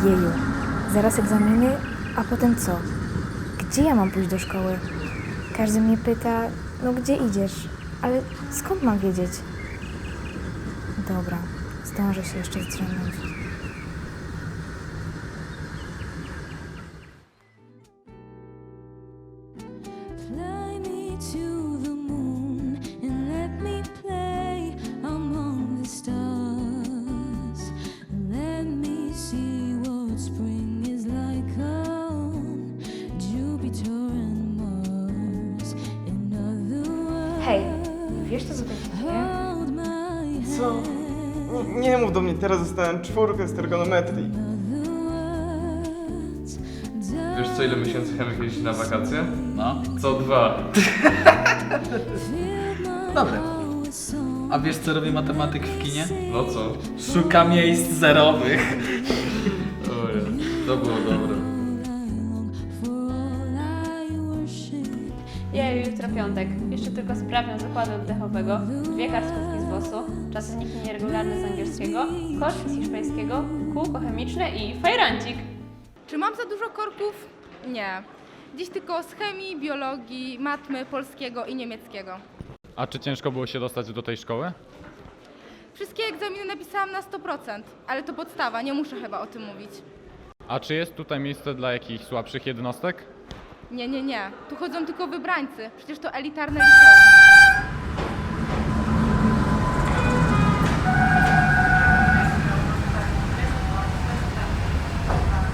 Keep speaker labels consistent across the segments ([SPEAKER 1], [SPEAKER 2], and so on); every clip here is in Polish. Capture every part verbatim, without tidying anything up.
[SPEAKER 1] Jeju, zaraz egzaminy, a potem co? Gdzie ja mam pójść do szkoły? Każdy mnie pyta, no gdzie idziesz? Ale skąd mam wiedzieć? Dobra, zdążę się jeszcze zdrzemnąć.
[SPEAKER 2] Fly me to the moon and let me play among the stars. Let me see what spring is like on Jupiter and Mars. In other words,
[SPEAKER 1] Hej, wiesz co tutaj się dzieje?
[SPEAKER 2] hold my
[SPEAKER 3] Co? Nie, nie mów do mnie, teraz dostałem czwórkę z trigonometrii.
[SPEAKER 2] other words.
[SPEAKER 4] Wiesz co, ile miesięcy Hemek jeździ na wakacje?
[SPEAKER 5] No.
[SPEAKER 4] Co dwa.
[SPEAKER 5] Dobre. A wiesz co robi matematyk w kinie?
[SPEAKER 4] No co?
[SPEAKER 5] Szuka miejsc zerowych.
[SPEAKER 4] Ojej, to było dobre.
[SPEAKER 6] Jeju, jutro piątek. Jeszcze tylko sprawiam zakładu oddechowego, dwie kartkówki z wosu, czasownik nieregularny z angielskiego, kosz z hiszpańskiego, kółko chemiczne i fajrancik.
[SPEAKER 7] Czy mam za dużo korków? Nie. Dziś tylko z chemii, biologii, matmy, polskiego i niemieckiego.
[SPEAKER 8] A czy ciężko było się dostać do tej szkoły?
[SPEAKER 7] Wszystkie egzaminy napisałam na sto procent, ale to podstawa, nie muszę chyba o tym mówić.
[SPEAKER 8] A czy jest tutaj miejsce dla jakichś słabszych jednostek?
[SPEAKER 7] Nie, nie, nie. Tu chodzą tylko wybrańcy. Przecież to elitarne liceum.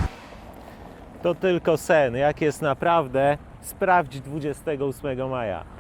[SPEAKER 9] To tylko sen. Jak jest naprawdę, sprawdź dwudziestego ósmego maja.